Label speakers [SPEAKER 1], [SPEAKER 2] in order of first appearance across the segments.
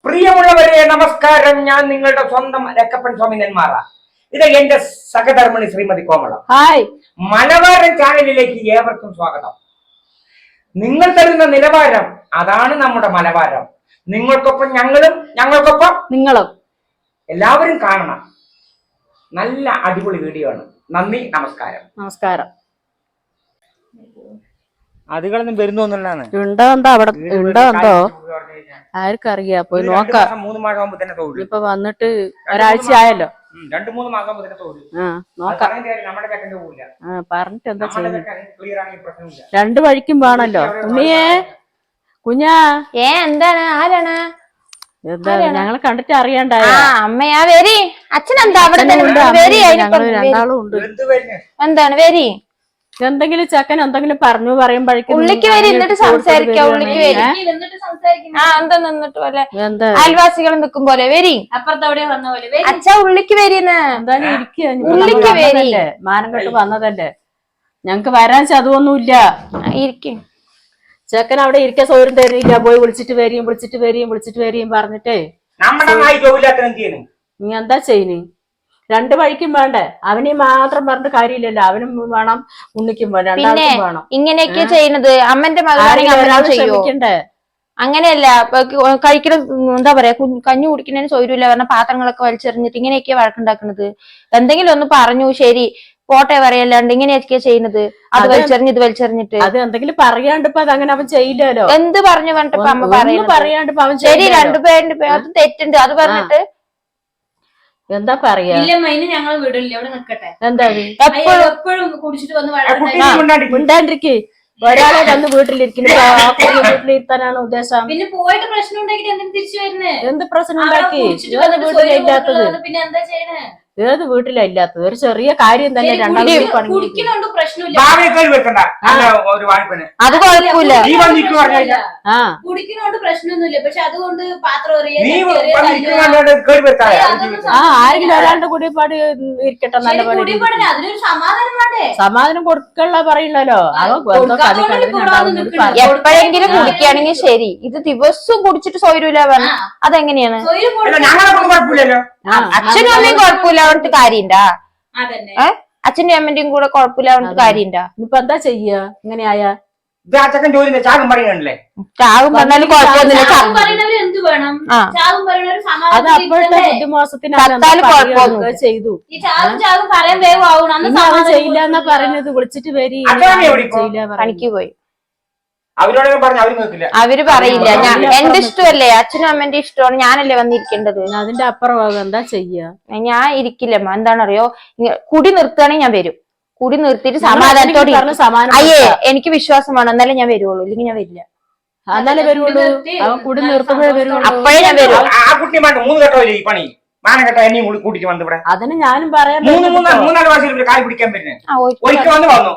[SPEAKER 1] പ്രിയമുള്ളവരെ നമസ്കാരം. ഞാൻ നിങ്ങളുടെ സ്വന്തം രക്കപ്പൻ സ്വാമി നെന്മാറ. ഇത് എന്റെ സഹധർമ്മിണി ശ്രീമതി കോമളം.
[SPEAKER 2] ഹായ്,
[SPEAKER 1] മലബാരൻ ചാനലിലേക്ക് ഏവർക്കും സ്വാഗതം. നിങ്ങൾ തരുന്ന നിലവാരം, അതാണ് നമ്മുടെ മലബാരം. നിങ്ങൾക്കൊപ്പം ഞങ്ങളും, ഞങ്ങൾക്കൊപ്പം
[SPEAKER 2] നിങ്ങളും.
[SPEAKER 1] എല്ലാവരും കാണണം. നല്ല അടിപൊളി വീഡിയോ ആണ്. നന്ദി, നമസ്കാരം.
[SPEAKER 2] നമസ്കാരം.
[SPEAKER 1] അതുകളൊന്നും വരുന്നൊന്നുള്ളതാണ്.
[SPEAKER 2] ഉണ്ടോ അവിടെ ഉണ്ടോ ആർക്കറിയാ, പോയി നോക്കാം.
[SPEAKER 1] 3 മാസം ആകുമ്പോ തന്നെ തോന്നും.
[SPEAKER 2] ഇപ്പൊ വന്നിട്ട് ഒരാഴ്ച ആയല്ലോ.
[SPEAKER 1] 2-3 മാസം ആകുമ്പോ തന്നെ തോന്നും.
[SPEAKER 2] നോക്കാം.
[SPEAKER 1] നമ്മുടെ ചെക്കൻ്റെ പോവില്ല.
[SPEAKER 2] പറഞ്ഞിട്ട് എന്താ ചെയ്യുന്നത്?
[SPEAKER 1] ക്ലിയർ ആണെങ്കിൽ പ്രശ്നമില്ല.
[SPEAKER 2] രണ്ടു വഴിക്കും വേണല്ലോ. കുഞ്ഞിയേ, കുഞ്ഞാ.
[SPEAKER 3] എന്താണ്? ആരാണ്?
[SPEAKER 2] എന്താ ഞങ്ങളെ കണ്ടിട്ട് അറിയണ്ടായോ?
[SPEAKER 3] അമ്മയാ വരി. അച്ഛനെന്താ അവിടെ
[SPEAKER 2] ഞങ്ങള് രണ്ടാളും ഉണ്ട്.
[SPEAKER 3] എന്താണ് വരി?
[SPEAKER 2] എന്തെങ്കിലും ചെക്കൻ എന്തെങ്കിലും പറയുമ്പോഴേക്കും
[SPEAKER 3] ഉള്ളിക്ക് വരി, എന്നിട്ട് സംസാരിക്കാം. ഉള്ളിക്ക് വരി. എന്താ നിന്നിട്ട് പോലെ അയൽവാസികൾ നിൽക്കും പോലെ വരി.
[SPEAKER 4] അപ്പുറത്തവിടെ വന്ന പോലെ
[SPEAKER 3] അച്ഛ ഉള്ളിക്ക് വരിന്ന്.
[SPEAKER 2] എന്തായാലും
[SPEAKER 3] ഉള്ളിക്ക് വരി.
[SPEAKER 2] മാനം കെട്ട് വന്നതല്ലേ, ഞങ്ങക്ക് വരാൻ ചതുവൊന്നുമില്ല.
[SPEAKER 3] ഇരിക്കും.
[SPEAKER 2] ചെക്കൻ അവിടെ ഇരിക്കാൻ സൗകര്യം തരുന്നില്ല. പോയി വിളിച്ചിട്ട് വരികയും പറഞ്ഞിട്ടേ നീ എന്താ ചെയ്യുന്നു? രണ്ടു വഴിക്കും വേണ്ടേ? അവനെ മാത്രം പറഞ്ഞിട്ട് കാര്യമില്ലല്ലോ. അവനും വേണം, ഉണ്ണിക്കും വേണം, രണ്ടാൾക്കും വേണം.
[SPEAKER 3] ഇങ്ങനെയൊക്കെ ചെയ്യുന്നത് അമ്മന്റെ മകളാണെങ്കിൽ അങ്ങനെയല്ല. കഴിക്കണം, എന്താ പറയാ, കഞ്ഞി കുടിക്കുന്നതിന് സൗകര്യമില്ല പറഞ്ഞ പാത്രങ്ങളൊക്കെ വലിച്ചെറിഞ്ഞിട്ട് ഇങ്ങനെയൊക്കെയാ വഴക്കുണ്ടാക്കുന്നത്. എന്തെങ്കിലും ഒന്ന് പറഞ്ഞു ശരി പോട്ടെ പറയല്ലാണ്ട് ഇങ്ങനെയൊക്കെയാ ചെയ്യുന്നത്. അത് വലിച്ചെറിഞ്ഞിട്ട്
[SPEAKER 2] അത് എന്തെങ്കിലും പറയാണ്ട് ഇപ്പൊ അതങ്ങനെ അവൻ ചെയ്യില്ലല്ലോ.
[SPEAKER 3] എന്ത് പറഞ്ഞു പറഞ്ഞിട്ട് അമ്മ
[SPEAKER 2] പറയാണ്ട് അവൻ
[SPEAKER 3] ശരി രണ്ടുപേരുടെ അത് തെറ്റുണ്ട്. അത് പറഞ്ഞിട്ട്
[SPEAKER 2] എന്താ പറയാ?
[SPEAKER 4] ഞങ്ങൾ വീടില്ല, അവിടെ നിക്കട്ടെ.
[SPEAKER 2] എന്താ
[SPEAKER 4] എപ്പോഴും കുടിച്ചിട്ട് വന്ന്
[SPEAKER 2] മിണ്ടാണ്ടിരിക്കേ. ഒരാളെ വന്ന് വീട്ടിലിരിക്കുന്നു, വീട്ടിലിരുത്താനാണ് ഉദ്ദേശം.
[SPEAKER 4] പിന്നെ പോയിട്ട് പ്രശ്നം ഉണ്ടാക്കിട്ട് എന്തിനു തിരിച്ചു വരുന്നേ?
[SPEAKER 2] എന്ത് പ്രശ്നം ഉണ്ടാക്കി? വീട്ടിലില്ലാത്തത്
[SPEAKER 4] പിന്നെ എന്താ ചെയ്യണേ?
[SPEAKER 2] ഏത് വീട്ടിലാ ഇല്ലാത്തത്? ഒരു ചെറിയ കാര്യം തന്നെ രണ്ടാളും
[SPEAKER 4] കുടിക്കുന്നുണ്ട്, പ്രശ്നമില്ല.
[SPEAKER 3] അത് കുഴപ്പമില്ല.
[SPEAKER 4] കുടിക്കുന്നോണ്ട് പ്രശ്നമൊന്നുമില്ല. പക്ഷെ അതുകൊണ്ട് പാത്രം
[SPEAKER 2] ആരെങ്കിലും ഒരാളുടെ കൂടിപ്പാട് ഇരിക്കട്ടെ. നല്ല
[SPEAKER 4] അതിനൊരു സമാധാനം വേണ്ടേ?
[SPEAKER 2] സമാധാനം കൊടുക്കള്ള പറയണല്ലോ.
[SPEAKER 3] എപ്പോഴെങ്കിലും കുടിക്കുകയാണെങ്കിൽ ശരി. ഇത് ദിവസവും കുടിച്ചിട്ട് സൗകര്യമില്ല പറഞ്ഞ അതെങ്ങനെയാണ്? അച്ഛനും അമ്മയും കുഴപ്പമില്ല പറഞ്ഞിട്ട് കാര്യണ്ടാ? അച്ഛന്റെ അമ്മന്റെയും കൂടെ കുഴപ്പമില്ല പറഞ്ഞിട്ട് കാര്യണ്ടാ?
[SPEAKER 2] ഇപ്പൊ എന്താ ചെയ്യാ ഇങ്ങനെയായ?
[SPEAKER 3] ചാകും പറഞ്ഞാലും കുഴപ്പമൊന്നുമില്ല.
[SPEAKER 2] അത് അപ്പോഴത്തെ ബുദ്ധിമോശത്തിന് ചെയ്തു. ചെയ്യില്ല എന്നാ പറയുന്നത്. വിളിച്ചിട്ട് വരി.
[SPEAKER 3] പണിക്ക് പോയി. അവര് പറയില്ല. എന്റെ ഇഷ്ടമല്ലേ, അച്ഛനും അമ്മന്റെ ഇഷ്ടമാണ്. ഞാനല്ലേ വന്നിരിക്കേണ്ടത്.
[SPEAKER 2] അതിന്റെ അപ്പുറം എന്താ ചെയ്യാ?
[SPEAKER 3] ഞാൻ ഇരിക്കില്ലമ്മ. എന്താണെന്നറിയോ, കുടി നിർത്തുകയാണെങ്കിൽ ഞാൻ വരും. കുടി നിർത്തിയിട്ട് സമാധാനത്തോടെ അയ്യേ എനിക്ക് വിശ്വാസമാണ്. എന്നാലേ ഞാൻ വരുള്ളൂ, ഇല്ലെങ്കിൽ ഞാൻ വരില്ല.
[SPEAKER 2] എന്നാലേ വരുള്ളൂ. അവൻ കുടി നിർത്തുമ്പോഴേ വരുള്ളൂ.
[SPEAKER 3] അപ്പോഴേ ഞാൻ വരും.
[SPEAKER 2] അതിന് ഞാനും പറയാൻ
[SPEAKER 1] പിടിക്കാൻ പറ്റുന്നത്. ഒരിക്കൽ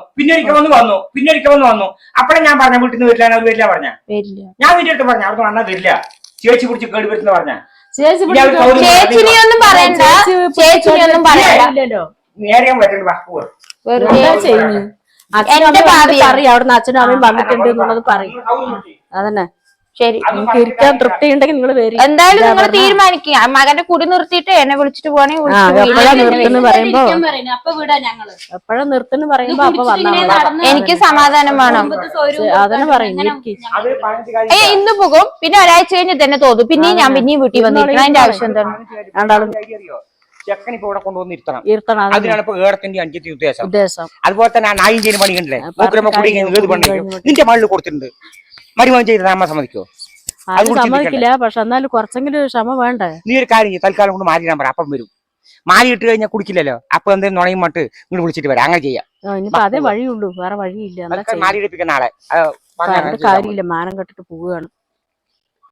[SPEAKER 1] വന്നു. അപ്പഴേ ഞാൻ പറഞ്ഞ വീട്ടിൽ നിന്ന് വരില്ല, വരില്ല പറഞ്ഞ. ഞാൻ വീട്ടിൽ അടുത്ത് പറഞ്ഞ അവിടെ വന്നാൽ വരില്ല. ചേച്ചി പിടിച്ച് കേട് വരുന്ന പറഞ്ഞ.
[SPEAKER 3] ചേച്ചിനെയൊന്നും പറയണ്ട, ചേച്ചിനെയൊന്നും പറയണ്ടല്ലോ.
[SPEAKER 1] നേരെ പറ്റുന്നു.
[SPEAKER 2] എന്റെ ഭാവി അറിയാം. അവിടുന്ന് അച്ഛനും അമ്മയും വന്നിട്ടുണ്ട് എന്നുള്ളത് പറയും. അതന്നെ
[SPEAKER 3] ശരി.
[SPEAKER 2] നിങ്ങൾക്ക് ഇരിക്കാൻ തൃപ്തി ഉണ്ടെങ്കിൽ നിങ്ങൾ വരും.
[SPEAKER 3] എന്തായാലും നിങ്ങൾ തീരുമാനിക്കുക. മകന്റെ കുടി നിർത്തിയിട്ട് എന്നെ വിളിച്ചിട്ട് പോവാണെങ്കിൽ
[SPEAKER 2] പറയുമ്പോ എപ്പോഴാ നിർത്തുന്നു പറയുമ്പോ അപ്പൊ വന്നാൽ
[SPEAKER 3] എനിക്ക് സമാധാനം വേണം.
[SPEAKER 2] അതന്നെ പറയും.
[SPEAKER 3] ഇന്ന് പോകും, പിന്നെ ഒരാഴ്ച കഴിഞ്ഞ് തന്നെ തോന്നും. പിന്നെയും ഞാൻ പിന്നെയും വീട്ടിൽ വന്നിരിക്കണം. അതിന്റെ ആവശ്യം എന്താണ്?
[SPEAKER 2] രണ്ടാളും
[SPEAKER 1] ചെക്കൻ ഇപ്പൊ ഇവിടെ കൊണ്ടുവന്ന് ഇരുത്തണം. അതിനാണ് ഇപ്പൊ ഏടത്തിന്റെ അഞ്ചത്തെ ഉദ്ദേശം. അതുപോലെ തന്നെ നായും ചെയ്യുന്ന പണി കണ്ടില്ലേ? കുടി ഏത് പണിക്കും നിന്റെ മകളിൽ കൊടുത്തിട്ടുണ്ട്. മരുമകൻ ചെയ്ത അമ്മ സമ്മതിക്കോ?
[SPEAKER 2] സമ്മതിക്കില്ല. പക്ഷെ എന്നാലും കുറച്ചെങ്കിലും ക്ഷമ വേണ്ടേ?
[SPEAKER 1] നീ ഒരു കാര്യം തൽക്കാലം കൊണ്ട് മാറി നമ്പർ അപ്പം വരും. മാറി ഇട്ട് കഴിഞ്ഞാൽ കുടിക്കില്ലല്ലോ. അപ്പൊ എന്തെങ്കിലും നുണയും മട്ട് നിങ്ങൾ വിളിച്ചിട്ട് വരാം. അങ്ങനെ ചെയ്യാം.
[SPEAKER 2] ഇനിയിപ്പോ അതേ വഴിയുള്ളൂ, വേറെ വഴിയില്ല.
[SPEAKER 1] മാറി എടുപ്പിക്കുന്ന ആളെ
[SPEAKER 2] കാര്യമില്ല. മാനം കെട്ടിട്ട് പോവുകയാണ്.